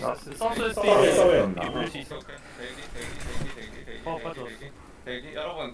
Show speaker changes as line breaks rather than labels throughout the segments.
사우스
싸워야
온다.
한다.
대기 여러분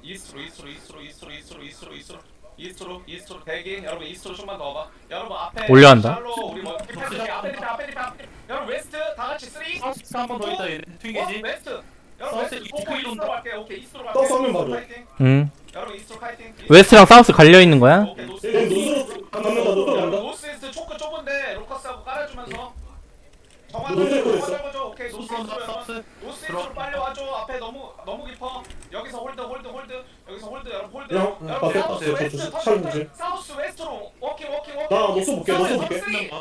이스트로 대기 여러분 이스트로 좀만 더 와봐 여러분 앞에
올려한다.
샬로 우리 뭐 앞에 여러분 웨스트 다 같이 3
사우스 한번 더 있다 얘네 튀기지.
웨스트 여러분
사우스
웨스트
이스트
이스트로
온다.
갈게 오케이 이스트로 갈게
떠서 한명 봐줘.
파이팅. 여러분 이스트로 파이팅
웨스트랑 사우스 갈려있는 거야?
오케이 노스
노스로 간다. 노스로 간다.
노스 이스트 초크 좁은데 로커스하고 깔아주면서 정한
노스
정한
있어.
잡아줘 오케이 노스
사우스
이스트로
사우스.
노스 이스트로 빨리 와줘 앞에 너무 깊어 여기서 홀드 여기서 홀드 여러분 홀드
야,
여러분
봤어,
사우스
봤어.
웨스트
저
터치
촬영
사우스 웨스트로 워킹
나 노스 볼게, 노스 볼게.
3 2 1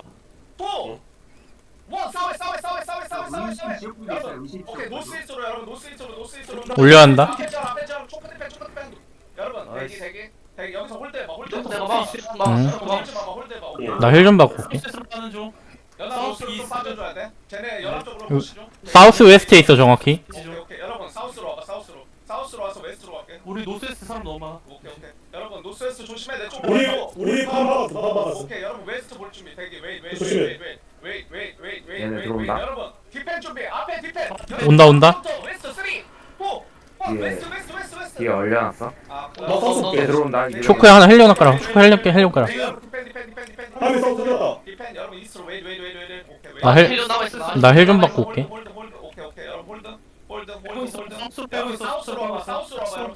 싸워 여러분 오케이 노스 이스트로 여러분 노스 이스트로
올려한다.
앞에 점 초크 디펜 여러분 대기 여기서 홀드 해봐 홀드 해봐 오케이
나 힐 좀 받고 올게.
사우스로 가는 중.
연합 노스로 좀 빠져줘야 돼 쟤네 연합 쪽으로
요-
보시죠
사우스 웨스트에 있어 정확히.
오케이 여러분 사우스로 와봐 사우스로 와서 웨스트로 갈게
우리 노스에스 사람 너무 많아.
오케이 여러분 노스웨스트 조심해 내 쪽
우리 파 막았어.
오케이 여러분 웨스트 볼 준비 대기
조심해.
얘네 들어온다.
여러분 디펜 준비 앞에 디펜
온다.
웨스트 3 4 1
뒤에.
웨스트
뒤에 얼려놨어.
나 사우스 볼게.
들어온다.
초크에 하나 헬려놔 깔아. 초크 헬려 깔아.
디펜
한명 사우스 들었다.
디펜 여러분 이스트로 웨이트 오케이
나 헬 좀 받고 올게.
홀드 오케이 여러분 홀드
사우스로 빼고
여러분
있어.
사우스로 와봐 여러분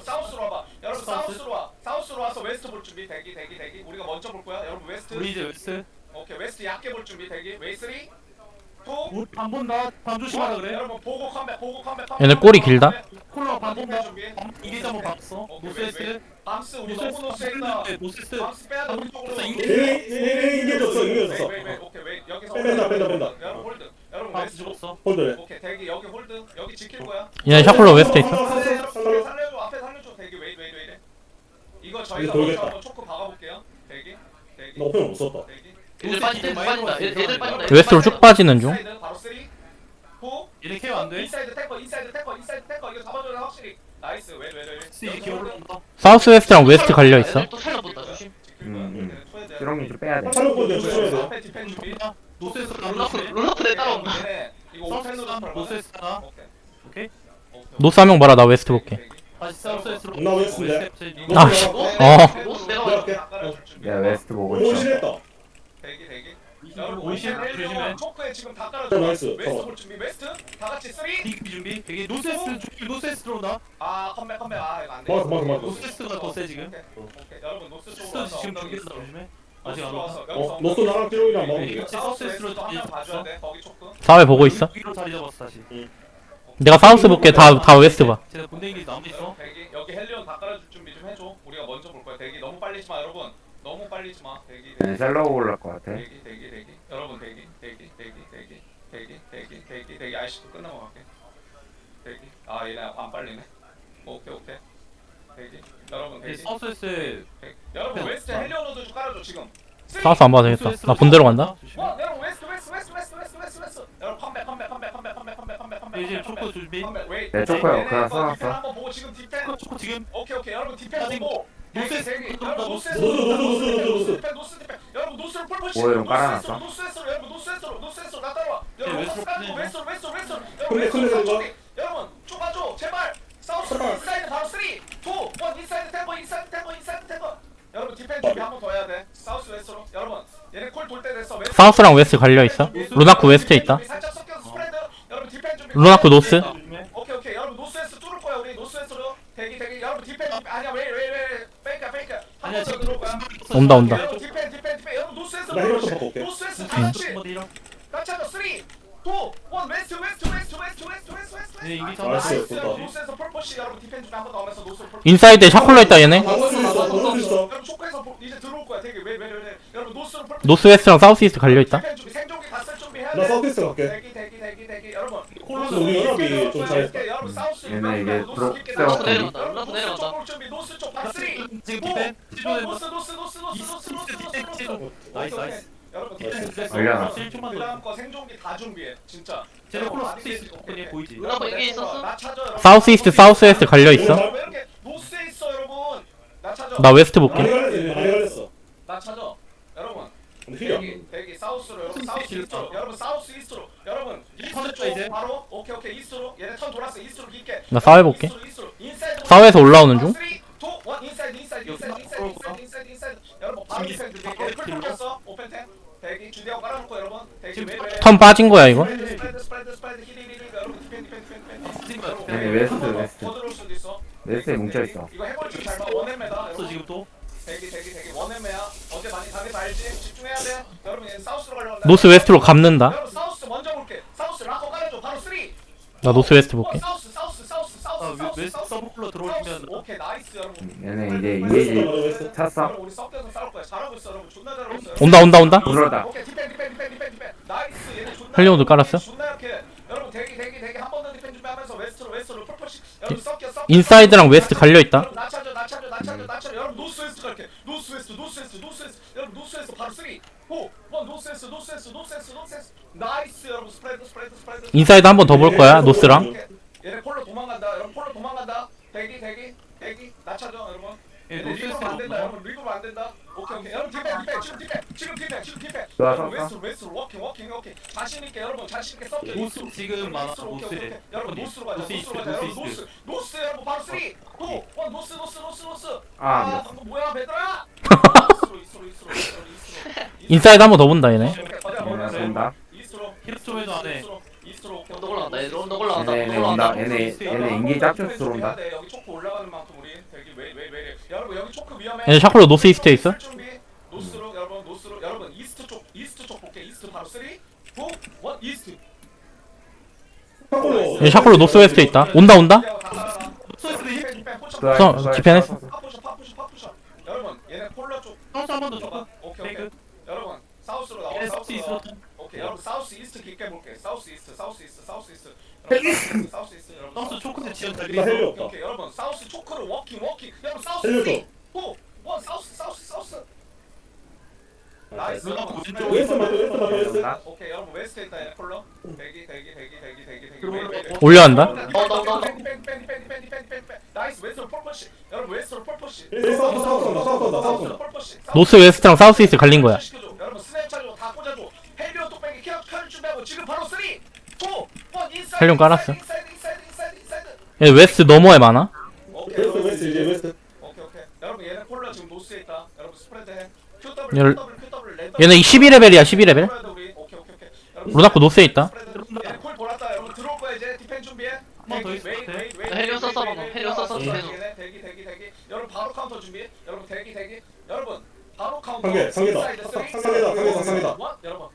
사우스로 와서 웨스트 볼 준비 대기 우리가 먼저 볼 거야 여러분 웨스트
우리 이제 웨스트.
오케이 웨스트 얕게 볼 준비 대기 웨이 3 2
우리 반 본다. 반 조심하라 그래.
여러분 보고 컴백
얘네 꼬리 길다.
콜라 반 본다.
준비
이게 한번 봤어. 노스에스.
밤스 우리 너무 노스에 있다
노스에스.
밤스 빼야 돼 우리 쪽으로
이겨졌어.
오케이 웨이 여기서
뺀다.
여러분 홀드 여러분
밤스
웨스트
죽었어.
홀드래.
오케이 대기 여기 홀드 여기 지킬 거야
얘네 샤클로 웨스트에 있어.
살려줘 앞에 살려줘 대기 웨이 이거 저희가
돌겠다.
먼저 한번 초크 박아볼게요 대기
나 오펜 못 썼다.
대기
얘들 빠진다. 얘들 빠진다.
웨스트로 쭉 빠지는 중.
인사이드 바로 3 4
얘네 케어 안 돼.
인사이드 태커 이거 잡아줘야 확실히 나이스
스 기어 올라온다.
사우스 웨스트랑 웨스트 갈려 있어.
얘들 또 살려본다. 조심.
드럼이 좀 빼야 돼.
차로 보내 조심해야 돼.
앞에 디펜 준비
노스에스
롤라프 내 따라온다.
얘네 이거 오펜으로
사우스 노스에스 하나.
오케이
오케이.
노스 한 명 봐라. 나 웨스트 볼게.
다시 사우스에스로.
나 웨스트인데.
아, 씨.
노스 내려와.
내가 웨스트 보고 있어.
오실했다.
대기 여러분
오십
오십
조심해.
헬리온 초크에 지금 다 깔아줘
나이스.
웨스트 볼 준비 웨스트 다 같이 3
디기 준비. 되게 노스에스 준비. 노스에스 들어온다.
아 컴백 아 이거 안돼
맞아.
노스에스가 더 세 지금.
오케이 여러분 노스 쪽으로
노스
와서
지금
엉덩이
준비했다 조심해. 아직
노스로
안
와서
왔어.
여기서
노스 나랑 찌롱이랑 먹으면
이거
돼.
사우스
사우스에스로
웨스트도 한명 봐줘야
준비했어.
돼 거기 초크
사회 보고 있어.
여기로 자리 잡았어 다시.
내가 사우스 볼게. 다 웨스트 봐.
쟤네 본대기 남아 있어.
대기 여기 헬리온 다 깔아줄 준비 좀 해줘 우리가 먼저 볼 거야 대기 너무 빨리지 마 여러분 너무 빨리지 마 대기
셀러고 올라올 것 같아.
대기 여러분 대기 아이씨도 끝나고 갈게 대기 아 얘네 안 빨리네 오케이 대기 여러분 대기
사우스에스
여러분 웨스트 헬리온으로 좀 깔아줘 지금
사우스 안 봐도 되겠다. 나 본대로 간다.
여러분 웨스트 여러분 컴백
이제 초코 준비.
네
초코야. 그냥 써놨어.
한번 보고 지금 디펜
초코 지금.
오케이 여러분 디펜
아직
보고
노스
대기
들어온다,
여러분
노스.
노스 디펜 여러분 노스를 폴포시
뭐야, 이런 깔아놨어?
노스에서 여러분 노스에서 나 따라와 여러분
웨스트로
웨스트로
근데
웨스트로
이거?
여러분 좁아줘 제발 사우스 인사이드 바로 3 2 1 인사이드 템포 여러분 디펜 준비 한 번 더 해야 돼 사우스 웨스트로 여러분 얘네 콜 돌 때 됐어 웨스트
사우스랑 웨스트 갈려 있어. 루나크 웨스트에 있다.
살짝 섞여서 스프레드 여러분 디펜 준비
루나크 노스.
오케이 여러분 노스에서 뚫을 거야 우리 노스에서로 대기 여러분 디펜 준비 아니야 왜 페이크
아니야
한번더
지금
들어올 거야
온다.
여러분 디펜 여러분 노스에서
나 힐러 좀 바꿔 올게.
노스에서 다 같이
한번 이런.
같이 하자 3 2 1 웨스트
네, 이게
나이스,
나이스
좋다.
노스에서 펄포시 여러분 디펜 준비 한번 더 하면서 노스로 펄포시
인사이드에 샤클로 있다 얘네.
방어 수 있어.
여러분 초크에서 이제 들어올 거야 되게 왜 여러분 노스로 펄포시
노스 웨스트랑 사우스 이스트 갈려 있다.
디펜 준비 생존기 갔을 준비해야
나
돼
서비스 갈게.
대기 여러분
콜로스 우리 연합이 좀 잘했다.
여러분 사우스
얘네 이게
노스 깊게
들어-
들어가.
내려간다.
여러분
올라서
노스
내려간다.
쪽 볼 준비 노스 쪽 박스리
지금 디펜.
노스
나이스.
여러분
나이스.
디펜
걸려놨어.
그 다음 거 생존기 다 준비해 진짜
쟤네 콜로
많이
스페이스
됐지.
오케이 보이지.
루나프 여기 있었어?
나 찾아 여러분.
사우스 이스트 사우스 웨스트 갈려 있어.
왜 이렇게 노스에 있어 여러분 나 찾아
나 웨스트
많이
볼게.
갈렸어.
나 찾아 여러분
근데 힐이 안
대기 사우스로 여러분 사우스 이스트로 여러분 사우스 이스트로 여러분 이스트
턴했다,
쪽
이제.
바로 오케이 이스트로 얘네 턴 돌았어 이스트로 깊게
나 싸워 해볼게.
이스트로, 인사이드
싸워에서 올라오는 중?
3, 2, 1 인사이드 여러분 바로 디펜드 얘네 풀 뚫렸어 오펜텐 대기 주대하고 깔아놓고 여러분 대기 왜
턴 빠진 거야 이거?
스프레드 힐 여러분 디펜 여러분
네, 웨스트.
더 들어올 수도 있어
웨스트에 뭉쳐있어.
이거 해버리지 잘 봐. 원엠메다.
또 지금 또
대기. 원엠메야. 어제 많이 당해서 알지? 집중해야 돼. 여러분 얘는 사우스로 가려고 한다.
노스 웨스트로 감는다.
여러분 사우스 먼저 볼게. 사우스 락커 깔아줘. 바로 3.
나 노스 웨스트 볼게.
사우스.
웨스트 서브클로 들어오시면
오케이 나이스 여러분.
얘네 이제 이미지 찼어.
여러분 우리 섞여서 싸울 거야. 잘하고 있어 여러분. 존나 잘하고 있어.
온다.
들어왔다.
오케이 디펜. 나이스 얘네 존나.
헬리온도 깔았어?
존나 약해. 여러분 대기 한 번 더 디펜 준비하면서 웨스트로 풀푸시. 여러분 섞여.
인사이드랑 웨스트 갈려있다.
낮춰줘. 여러분 노스웨스트 갈게. 노스웨스트. 여러분 노스웨스트 바로 3, 4, 1 노스웨스트. 나이스 여러분 스프레드.
인사이드 한 번 더 볼 거야 노스랑.
얘네 폴로 도망간다. 여러분 폴로 도망간다. 대기. 낮춰줘 여러분.
예,
얘네
노스웨스트
리그로 안 된다.
없나?
여러분 리그로 안 된다. 오케이. 여러분 지금 디펜.
좋아,
여러분
좋아.
웨스트로 워킹. 자신 있게 여러분 자신 있게 섞여.
노스 지금 많아, 노스에.
오케이. 여러분 노스로 가자.
노스 이스트,
여러분
노스
노스 여러분 바로 3, 2, 1 노스.
아,
방금 뭐야 베드라? 이스트로.
인사이드 한 번 더 본다 얘네.
얘네 온다.
이스트로.
힐업 좀 해도 안 해.
이스트로.
언덕 올라간다. 얘들 언덕 올라간다.
얘네
언덕
온다.
올라간다.
얘네 인기 짝퉁 들어온다.
여기 초크 올라가는 만큼 우리 되게 왜 여러분 여기 초크 위험해.
얘네 샤클로 노스 이스트에 있어?
술 준비. 노스로 여러분 이스트 쪽 볼게. 이스트 바로 3, 2, 1 이스트.
얘 샤클로 노스 웨스트에 있다. 온다. 디펜했어.
파푸셔. 여러분 얘네 폴러 쪽.
사우스 한번더 줘봐.
오케이.
페이크.
여러분 사우스로 나와.
얘네 사우스
사우스로 나와.
있어.
오케이. 여러분 사우스 이스트 깊게 볼게. 사우스 이스트. 여러분
사우스 초크에 지연 잘
나
돼
헬리
있어.
없다.
오케이. 여러분 사우스 초크로 워킹. 여러분 사우스
헬리
3, 2, 1
없다.
사우스. 나이스.
루나프 왼쪽.
웨스트 맞아. 웨스트.
온다.
오케이. 여러분 웨스트에 있다. 얘네 폴러. 대기.
올려간다.
나이스. 웨스트로 폴포시. 여러분 웨스트로 폴포시.
사우스.
노스 웨스트랑 사우스 이스트 갈린 거야.
여러분 스냅 차려 다 꽂아줘. 헬리온 뚝배기 켜 준비하고 지금 바로 3, 2, 1 인사이드.
헬리온 깔았어.
인사이드.
얘 웨스트 너머에 많아.
오케이.
웨스트 이제 웨스트.
오케이. 여러분 얘네 콜라 지금 노스에 있다. 여러분 스프레드 해.
얘-
QW 랜덤.
얘네 12레벨이야 12레벨.
오케이.
루나코 노스에 있다.
얘네 콜 돌았다. 여러분 들어올 거야 이제. 디펜 준비해.
한번더 있을 것 같아.
헬리온 썼어, 방금. 헬리온 썼어,
대기.
계속.
여러분 바로 카운터 준비. 여러분 대기. 여러분 바로 카운터.
상계다.
인사이드 3,
상계다.
1 여러분